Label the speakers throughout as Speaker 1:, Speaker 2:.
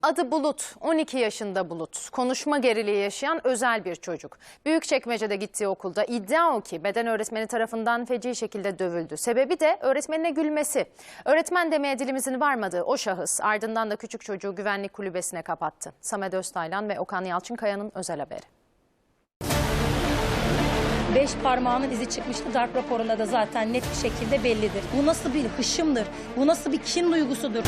Speaker 1: Adı Bulut, 12 yaşında Bulut. Konuşma geriliği yaşayan özel bir çocuk. Büyükçekmece'de gittiği okulda iddia o ki beden öğretmeni tarafından feci şekilde dövüldü. Sebebi de öğretmenine gülmesi. Öğretmen demeye dilimizin varmadığı o şahıs ardından da küçük çocuğu güvenlik kulübesine kapattı. Samet Öztaylan ve Okan Yalçınkaya'nın özel haberi.
Speaker 2: 5 parmağının izi çıkmıştı. Darp raporunda da zaten net bir şekilde bellidir. Bu nasıl bir hışımdır? Bu nasıl bir kin duygusudur?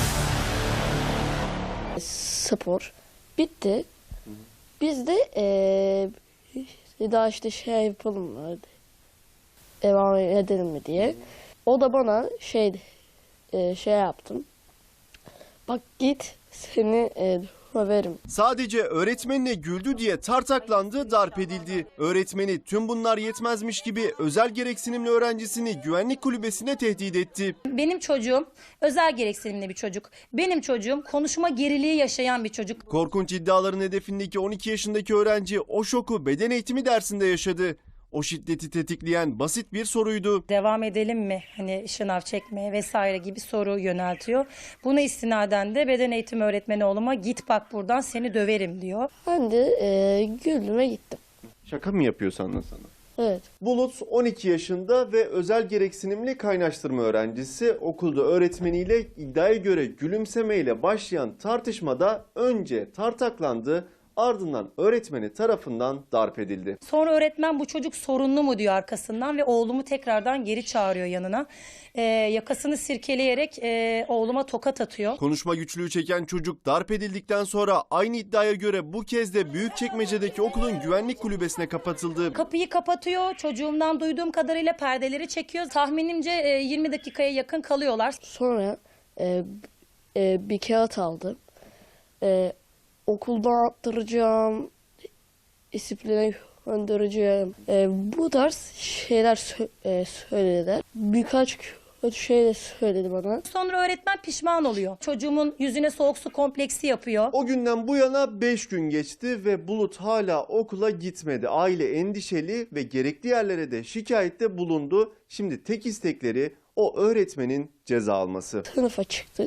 Speaker 3: Spor bitti. Biz de daha işte şey yapalım mı? Devam edelim mi diye. O da bana şey yaptım. Bak git seni döverim.
Speaker 4: Sadece öğretmenine güldü diye tartaklandı, darp edildi. Öğretmeni tüm bunlar yetmezmiş gibi özel gereksinimli öğrencisini güvenlik kulübesine tehdit etti.
Speaker 2: Benim çocuğum özel gereksinimli bir çocuk. Benim çocuğum konuşma geriliği yaşayan bir çocuk.
Speaker 4: Korkunç iddiaların hedefindeki 12 yaşındaki öğrenci o şoku beden eğitimi dersinde yaşadı. O şiddeti tetikleyen basit bir soruydu.
Speaker 2: Devam edelim mi? Hani şınav çekmeye vesaire gibi soru yöneltiyor. Buna istinaden de beden eğitimi öğretmeni oğluma git bak buradan seni döverim diyor.
Speaker 3: Ben de güldüm ve gittim.
Speaker 4: Şaka mı yapıyor sandın sana?
Speaker 3: Evet.
Speaker 4: Bulut 12 yaşında ve özel gereksinimli kaynaştırma öğrencisi. Okulda öğretmeniyle iddiaya göre gülümsemeyle başlayan tartışmada önce tartaklandı, ardından öğretmeni tarafından darp edildi.
Speaker 2: Sonra öğretmen bu çocuk sorunlu mu diyor arkasından ve oğlumu tekrardan geri çağırıyor yanına. Yakasını sirkeleyerek oğluma tokat atıyor.
Speaker 4: Konuşma güçlüğü çeken çocuk darp edildikten sonra aynı iddiaya göre bu kez de Büyükçekmece'deki okulun güvenlik kulübesine kapatıldı.
Speaker 2: Kapıyı kapatıyor. Çocuğumdan duyduğum kadarıyla perdeleri çekiyor. Tahminimce 20 dakikaya yakın kalıyorlar.
Speaker 3: Sonra bir kağıt aldım. Okuldan attıracağım, disipline göndereceğim. Bu tarz şeyler söylediler. Birkaç kötü şey de söyledi bana.
Speaker 2: Sonra öğretmen pişman oluyor. Çocuğumun yüzüne soğuk su kompleksi yapıyor.
Speaker 4: O günden bu yana 5 gün geçti ve Bulut hala okula gitmedi. Aile endişeli ve gerekli yerlere de şikayette bulundu. Şimdi tek istekleri o öğretmenin ceza alması.
Speaker 3: Sınıfa çıktık.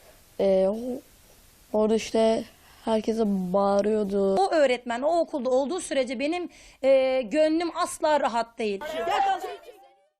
Speaker 3: Orada işte herkese bağırıyordu.
Speaker 2: O öğretmen o okulda olduğu sürece benim gönlüm asla rahat değil.
Speaker 5: Gel kalsın